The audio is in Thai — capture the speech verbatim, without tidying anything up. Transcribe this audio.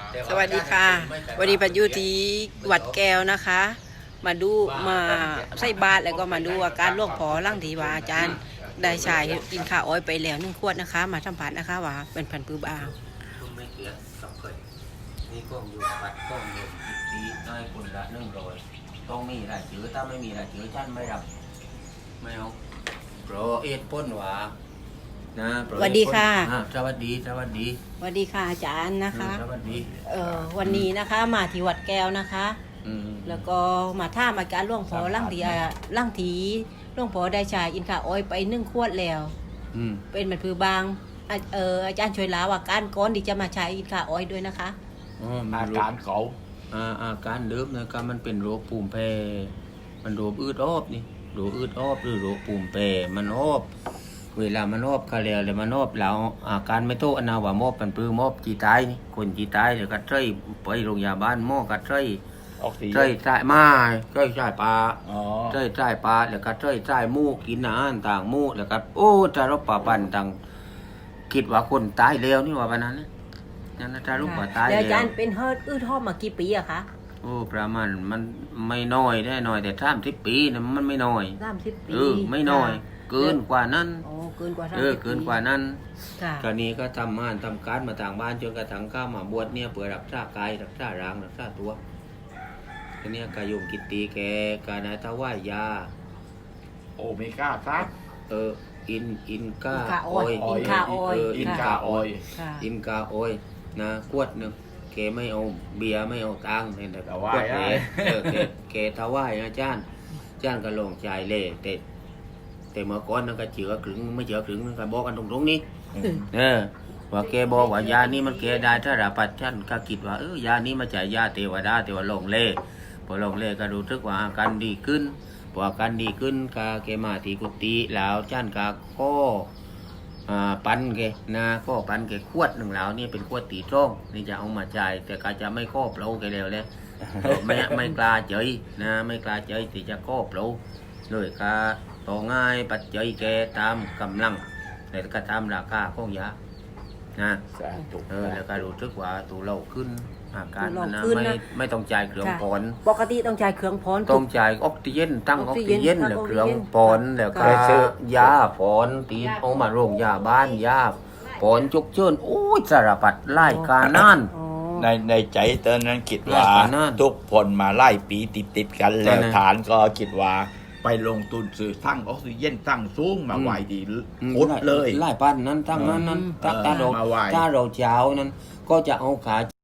สวัสดีค่ะวันนี้ปัจยุที่วัดแก้วนะคะ มาดูมาใส่บาตรแล้วก็มาดูอาการหลวงพ่อร่างทีว่าอาจารย์ได้ชายกินข้าวอ้อยไปแล้วหนึ่งขวดนะคะ มาสัมผัสนะคะว่าเป็นพันปื้บาวไม่เสียกับเคยนี่ก็อยู่ปัดก็อยู่ตีน้อยคนละหนึ่งร้อยต้องมีรายชื่อถ้าไม่มีรายชื่อท่านไม่รับไม่เอาโปรเอ็ดพ้นหวานะสวัสดีค่ะสวัสดีสวัสดีสวัสดีค่ะอาจารย์นะคะสวัสดีเอ่อวันนี้นะคะมาที่วัดแก้วนะคะแล้วก็มาท่ามอาการหลวงพ่อร่างทีร่างทีหลวงพ่อได้ชายอินข้าวอ้อยไปหนึ่งขวดแล้วเป็นมันคือบางเอออาจารย์ช่วยลาว่าการก้อนที่จะมาใช้อินข้าวอ้อยด้วยนะคะอาการเขาอาการเดิมนะครับมันเป็นโรคภูมิแพ้มันโรคอืดออบนี่โรคอืดออบหรือโรคภูมิแพ้มันออบเวลามันออบเขาเรียกเลยมันออบแล้วอาการไม่โตอนาว่ามอบมันปื้มอบจีตายนี่คนจีตายเดี๋ยวก็ใช้ไปโรงพยาบาลหม้อก็ใช้ใช้ใช้มาใช้ใช้ปลาใช้ใช้ปลาแล้วก็ใช้ใช้มูกินอาหารต่างมูแล้วก็โอ้จะรบป่าปันต่างคิดว่าคนตายแล้วนี่ว่าปนั้นนะนั่นนะจะรบป่าตายแล้วอาจารย์เป็นเฮิร์ตอืดหอบมากี่ปีอะคะโอ้ประมาณมันไม่น้อยแน่น้อยแต่สามสิบปีนะมันไม่น้อยสามสิบปีเออไม่น้อยเกินกว่านั้นโอ้เกินกว่าเออเกินกว่านั้นค่ะกรณีก็ทำงานทำการมาต่างบ้านจนกระทั่งข้ามาบวชเนี่ยเพื่อรักษากายรักษาร่างรักษาตัวทีนี้กายุมกิตติแกกาณาทว่ายาโอเมก้าครับเอออินอินกาออยอินกาออยอินกาออยอินกาออยนะขวดหนึ่งแกไม่เอาเบียร์ไม่เอาตังค์เนี่ยแต่ขวดแกเออแกแกทว่ายนะจ้านจ้านก็ลงใจเล่แต่แต่เมื่อก่อนนั่นก็เจือขึงไม่เจือขึงนั่นก็บอกกันตรงๆนี้เออว่าแกบอกว่ายานี้มันแกได้ถ้าราปัดฉันก็คิดว่าเออยานี้มาจากยาเทวดาแต่ว่าลงเล่พอลงเล่ก็รู้สึกว่าอาการดีขึ้นพออาการดีขึ้นก็แกมาที่กุฏิแล้วฉันก็ข้อปันแกนะข้อปันแกขวดหนึ่งแล้วนี่เป็นขวดตีจ้องนี่จะเอามาจ่ายแต่ก็จะไม่ข้อเปล่าแกแล้วเลยไม่ไม่กล้าเจยนะไม่กล้าเจยที่จะข้อเปล่าเลยก็ต่อง่ายปัจจัยแกตามกำลังแต่ก็ตามราคาของยานะเออแล้วก็รู้สึกว่าตัวเราขึ้นอาการมันนะไม่ไม่ต้องจ่ายเครื่องปอนปกติต้องจ่ายเครื่องปอนต้องจ่ายออกซิเจนตั้งออกซิเจนแล้วเครื่องปอนแล้วก็ยาปอนตีเอามาโรงยาบ้านยาปอนจุกเชิญโอ้ยสารพัดไล่กานั่นในในใจตอนนั้นคิดว่าทุกคนมาไล่ปีติดติดกันแล้วฐานก็คิดว่าไปลงทุนซื้อทั้งออกซิเจนทั้งสูงมาไหวดีพุดเลยไล่ปั้นนั้นทั้งนั้นนั้นถ้าเราถ้าเราเจ้านั้นก็จะเอาขา